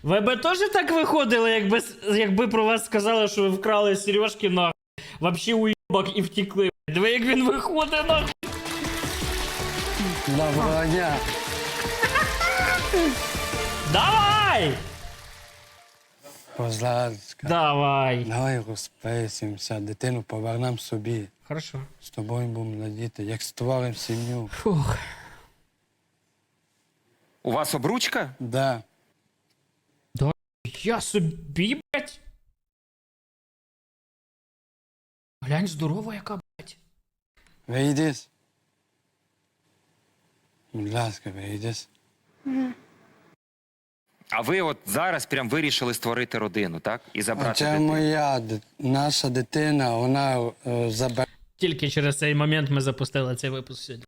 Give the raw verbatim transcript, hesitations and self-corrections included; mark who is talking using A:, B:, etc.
A: Ви би теж так виходили, якби, якби про вас сказали, що ви вкрали сережки, нахуй, вообще уйобок і втекли. Диви, як він виходить, нахуй.
B: Доброго дня.
A: Давай!
B: Будь ласка,
A: Давай.
B: давай розписимося, дитину повернемо собі.
A: Хорошо.
B: З тобою будемо радіти, як створимо сім'ю.
A: Фух.
C: У вас обручка?
B: Да.
A: Я собі, блядь. Глянь, здорова яка, блядь.
B: Вийди. Будь ласка, вийди.
C: А ви от зараз прям вирішили створити родину, так? І забрати
B: Це
C: дитину.
B: моя, ди- наша дитина, вона е, забере.
A: Тільки через цей момент ми запустили цей випуск сьогодні.